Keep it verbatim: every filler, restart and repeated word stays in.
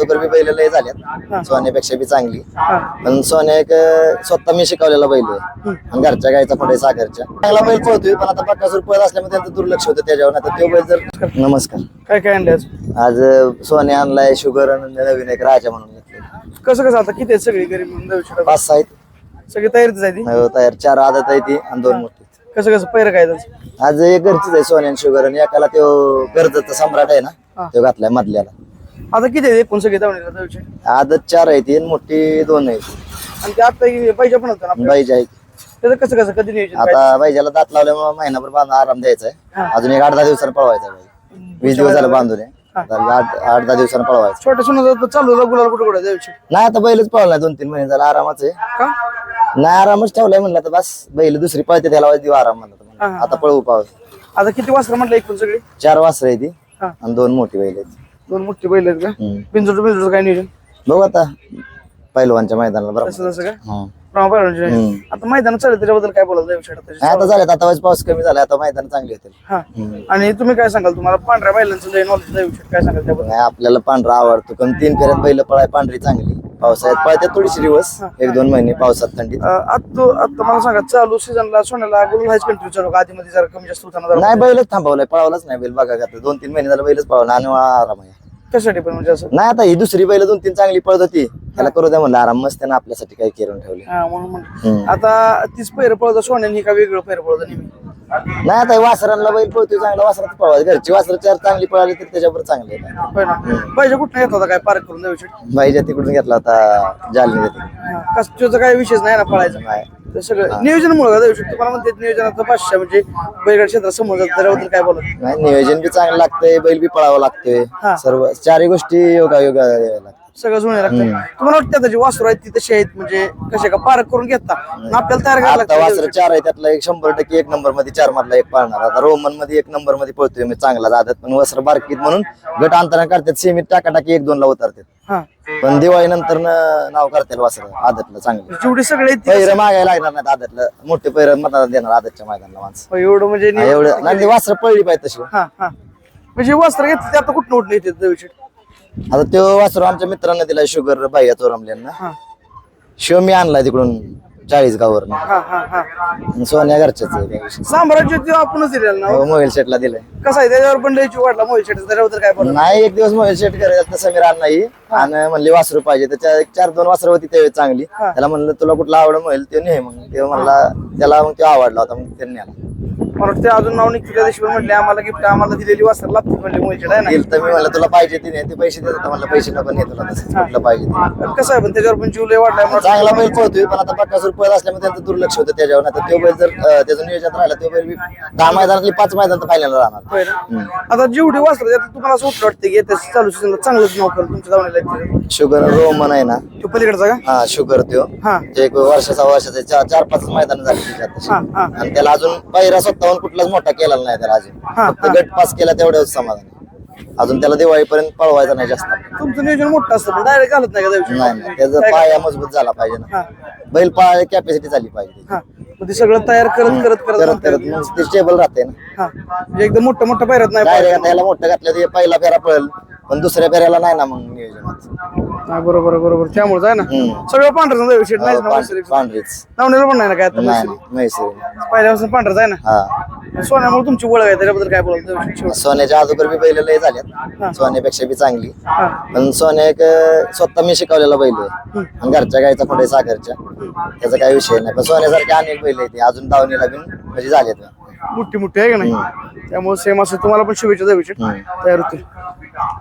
अगोदर बी बैल लय झाल्यात सोन्यापेक्षा बी चांगली. पण सोन्या एक स्वतः मी शिकवलेला बैल आहे आणि घरच्या गायचा पुढे सागरच्या चांगला बैल पळतोय. पण आता बकासूर पळत असल्यामुळे त्यांचं दुर्लक्ष होतं त्याच्यावर. आता तो बैल जर नमस्कार काय काय आणले आज आज सोन्या आणलाय शुगर नवीन एक राजा म्हणून घेतले. कसं कसं आता किती आहेत सगळी घरी म्हणून जाऊ शकता पाच सहा आहेत सगळी तयारीच आहे ती हो, तयार चार आदत आहे ती आणि दोन मोठी. कसं कसं पैर काय त्याचं आज एक घरचीच आहे सोन्या शुगर आणि एकाला तो कर्जतचा सम्राट आहे ना तो घातलाय मधल्याला. आता किती आहेत एकूण सगळी धावणीला जाऊ शकता आदत चार आहे ती आणि मोठी दोन आहे. आणि ते आता पाहिजे पण होतं ना बाईज आहे त्याचं कसं कसं कधी नियोजन काय? आता बाईजाला दात लावल्यामुळे महिनाभर बांधून आराम द्यायचा आहे. अजून एक आठ दहा दिवसांनी पळवायचा बाई. वीस दिवस झाला बांधून आहे. आता आठ आठ दहा दिवसांनी पळवायचं. छोट्या सोनं चालू होतं गुलाल कुठे कुठे जाऊ शकतो नाही आता बैलच पळवलाय दोन तीन महिने झाला आरामाच आहे. का नाही आरामच ठेवलाय म्हणलं तर बस बैल दुसरी पळते त्याला देऊ आराम म्हणलं आता पळवू पाव. आता किती वाजता म्हटलं एकूण सगळी चार वासर आहे ती हा. आणि दोन मोठी बैल आहेत. दोन मोठी बैल आहेत का हम्म. बिंजोड बिंजोड काय नियोजन बघू आता पहिलवानच्या मैदानाला बरोबर. तसं तसं काय हम्म. रामा पाहिजे हम्म. आता मैदानात चालेल त्याच्याबद्दल काय बोलायला जाऊ शकता नाही, आता झालं आता वाज पाऊस कमी झाला आता मैदान चांगली होतील. हा आणि तुम्ही काय सांगाल तुम्हाला पांढऱ्या बैलांचं लय नॉलेज जाऊ शकत काय सांगाल त्याबद्दल नाही आपल्याला पांढरा आवडतो पण तीन फेऱ्यात बैल पळाय पांढरी चांगली. पावसाळ्यात पळते थोडीशी दिवस एक दोन महिने पावसात थंडीत. आता आता मला सांगा चालू सीझनला सोन्याला गुलाल हायच कंटिन्यू चालू का? आधीमध्ये जरा कमी जास्त होताना जरा नाही बैलच थांबवलाय पळवलाच नाही बैल बघा आता दोन तीन महिने झाला बैलच पळवला आणि आराम आहे. कशासाठी पण म्हणजे असं नाही आता ही दुसरी बैल दोन तीन चांगली पळत होती त्याला करू द्या म्हणलं आराम मस्त त्यानं आपल्यासाठी काही करून ठेवले. हा म्हणून म्हणलं आता तीच पैर पळत सोन्याने ही का वेगळं पैर पळत नेहमी नाही आता वासरांना बैल पळतोय चांगला वासरात पळवायचं. घरची वासर चार चांगली पळाली तर त्याच्यावर चांगले. होय ना पाहिजे कुठं येत होता काय पार्क करून जाऊ शकतो बाईच्या तिकडून घेतला होता जालने तिकडून. कष्टाचा काही विषयच नाही ना पळायचा नाही ते सगळं नियोजनामुळे जाऊ शकतो. मला म्हणते नियोजनाचं पाचशे म्हणजे बैलगाड क्षेत्रात समोर जात त्याच्याबद्दल काय बोलत नाही नियोजन बी चांगलं लागतंय बैल बी पळावं लागतंय हा. सर्व चारही गोष्टी योगा योगा लागतात. सगळं जुने लागतं. तुम्हाला वाटतं त्याची वासरू आहेत ती तशी आहेत म्हणजे कसे का पार्क करून घेता आणि आपल्याला तयार करायला आता लागतं. वासर चार आहे त्यातला एक शंभर टक्के एक नंबर मध्ये चार मधला एक पाळणार. आता रोमन मध्ये एक नंबर मध्ये पळतोय मी चांगला जातात पण वासर बारकीत म्हणून गट अंतरण करतात सेमीत टाकाटाकी एक दोन ला उतरतात. हा पण दिवाळी नंतर नाव करतील वासर आदतला चांगलं. जेवढी सगळे आहेत ती पैर मागायला लागणार नाहीत आदतला मोठे पैर मताला देणार आदतच्या मैदानाला माणसं. एवढं म्हणजे हा, एवढं नाही वासर पळली पाहिजे तशी. हा हा म्हणजे वस्त्र घेतलं ते आता कुठं उठले येते जाऊ शकतो. आता तो वासर आमच्या मित्रांना दिलाय शुगर बाह्या चोरमल्यांना. हा शिव मी आणलाय तिकडून चाळीस गावावरनं. हा हा हा आणि सोन्या घरच्याच आहे त्या दिवशी. साम्राज्य ते आपणच दिलेलं ना हो, मोबाईल सेटला दिलाय. कसं आहे त्याच्यावर पण लयची वाटला मोहित शेट त्याच्याबद्दल काय बोला नाही एक दिवस मोबाईल सेट करायचं समीर नाही आणि म्हणले वासरू पाहिजे त्याच्या एक चार दोन वासरं होती त्यावेळी चांगली. त्याला म्हणलं तुला कुठला आवड मोबाईल ते नाही मग ते म्हणला त्याला मग तो आवडला होता मग त्यांनी आला. मला वाटतं अजून नाव निघते त्या दिवशी म्हटले आम्हाला गिफ्ट आम्हाला दिलेली वस्त्र लागते म्हणजे मोहित शेट आहे ना. दिल तर मी म्हणलं तुला पाहिजे ती नाही ते पैसे देत होता म्हणलं पैसे नको नाही तुला तसंच कुठलं पाहिजे ते. कसं आहे पण त्याच्यावर पण जीव लय वाटलाय मला वाटतं. चांगला बैल पळतोय पण आता बकासूर पळत असल्यामुळे त्यांचं दुर्लक्ष होतं त्याच्यावर. आता तो बैल जर अं, त्याचं नियोजन राहिलं तो बैल बी दहा मैदानातली पाच मैदान फायनल राहणार. होय ना? आता जेवढी वस्त्र त्यात तुम्हाला असं वाटतं वाटतं की त्या चालू सीझनला चांगलंच नाव करेल तुमच्या धावण्याला शुगर रोमन आहे ना तो पलीकडचा का हा शुगर त्यो हा ते एक वर्षाचा वर्षाचा चार चार पाच मैदान झाली त्याच्यात तशी. हा हा आणि त्याला अजून पहिला स्वतःहून कुठलाच मोठा केलेला नाही त्याला अजून हा, फक्त गट पास केला तेवढ्याच समाधान. अजून त्याला दिवाळीपर्यंत पळवायचा नाही जास्त. तुमचं नियोजन मोठं असतं पण डायरेक्ट घालत नाही का जाऊ नाही नाही त्याचा पाया मजबूत झाला पाहिजे ना. हा बैल पाळ कॅपॅसिटी झाली पाहिजे. हा मग ते सगळं तयार करत करत करत करत करत मग ते स्टेबल राहते ना. हा म्हणजे एकदम मोठं मोठं पायरत नाही डायरेक्ट आता याला मोठं घातलं तर हे पहिला फेरा पळेल पण दुसऱ्या फेऱ्याला नाही ना मग नियोजनात. हा, बरोबर बरोबर त्यामुळे आहे ना हम्म. सगळं पांढरं जाऊ शेट नाही ना पांढ- पांढरीच नावनेला पण नाही ना काय आता नाही म्हैसूर. म्हैसूर पहिल्यापासून पांढरच आहे ना हा. सोन्यामुळे तुमची ओळख आहे त्याच्याबद्दल काय बोलायचं सोन्याच्या अगोदर बी बैल लय झाल्यात सोन्यापेक्षा बी चांगली. हा पण सोन्या एक स्वतः मी शिकवलेला बैल आहे आणि घरच्या गायचा पुढे सागरच्या त्याचा काही विषय नाही. पण सोन्यासारखे अनेक बैल आहेत अजून दावणीला बी म्हणजे झालेत. मोठी मोठी आहे का नाही त्यामुळे सेम असं तुम्हाला पण शुभेच्छा जाऊ शेट तयार होतील.